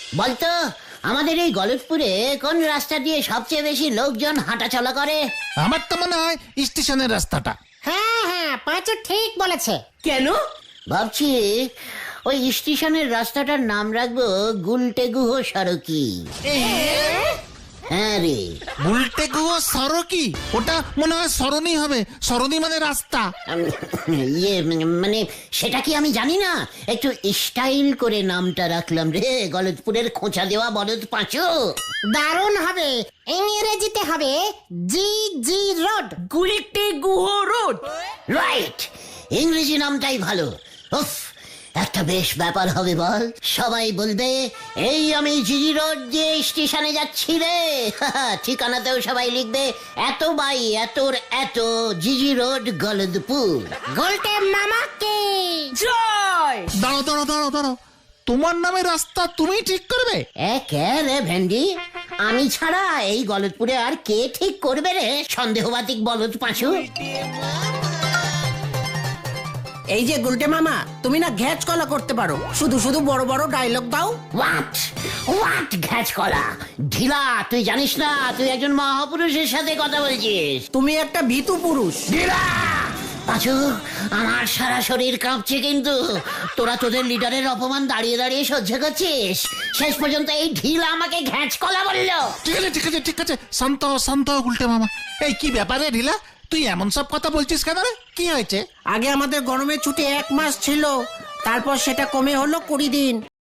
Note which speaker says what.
Speaker 1: বলতো আমাদের এই গলতপুরে কোন রাস্তা দিয়ে সবচেয়ে বেশি লোকজন হাঁটাচলা করে?
Speaker 2: আমার তো মনে হয় স্টেশনের রাস্তাটা।
Speaker 3: হ্যাঁ হ্যাঁ, পাঁচু ঠিক বলেছে।
Speaker 4: কেন?
Speaker 1: ভাবছি ওই স্টেশনের রাস্তাটার নাম রাখবো গুলটে গুহ সড়কি। হ্যাঁ রে,
Speaker 2: উল্টে গুয়ো সরকি, ওটা মনে হয় সরণি হবে। সরণি মানে রাস্তা।
Speaker 1: মানে সেটা কি আমি জানি না, একটু স্টাইল করে নামটা রাখলাম রে, গলতপুরের খোঁচা দেওয়া বলদ পাঁচু।
Speaker 3: দারুণ হবে। ইংরেজিতে হবে জি জি রোড।
Speaker 4: গুলিতে গুহ রোড।
Speaker 1: রাইট, ইংরেজি নামটাই ভালো। উফ, একটা বেশ ব্যাপার হবে বল। সবাই বলবে এই আমি জিজি রোড দিয়ে স্টেশনে যাচ্ছি রে। ঠিকানাতেও সবাই লিখবে এত বাই এতর এত জিজি রোড গলদপুর।
Speaker 3: গোলটে মামাকে
Speaker 4: জয়।
Speaker 2: দাঁড়ো দাঁড়ো দাঁড়ো দাঁড়ো, তোমার নামে রাস্তা তুমি ঠিক করবে?
Speaker 1: কে রে ভেন্ডি, আমি ছাড়া এই গলদপুরে আর কে ঠিক করবে রে সন্দেহবাতিক বলদ পাঁচু?
Speaker 4: এই যে গুলটে মামা, তুমি না ঘ্যাচ কলা করতে পারো, শুধু শুধু বড় বড় ডায়লগ দাও।
Speaker 1: হোয়াট হোয়াট ঘ্যাচ কলা? ঢিলা, তুই জানিস না তুই একজন মহাপুরুষের সাথে কথা বলছিস।
Speaker 4: তুমি একটা ভীতু পুরুষ।
Speaker 1: ঢিলা পাঁচু, আমার সারা শরীর কাঁপছে কিন্তু। তোরা তোদের লিডারের অপমান দাঁড়িয়ে দাঁড়িয়ে সহ্য করছিস, শেষ পর্যন্ত এই ঢিলা আমাকে ঘ্যাচ কলা বললো।
Speaker 2: ঠিক আছে ঠিক আছে ঠিক আছে, শান্ত হও, শান্ত হও উল্টে মামা। এই কি ব্যাপারে ঢিলা, তুই এমন সব কথা বলছিস কেন রে? কি হয়েছে?
Speaker 4: আগে আমাদের গরমের ছুটি 1 মাস ছিল, তারপর সেটা কমে হলো 20 দিন।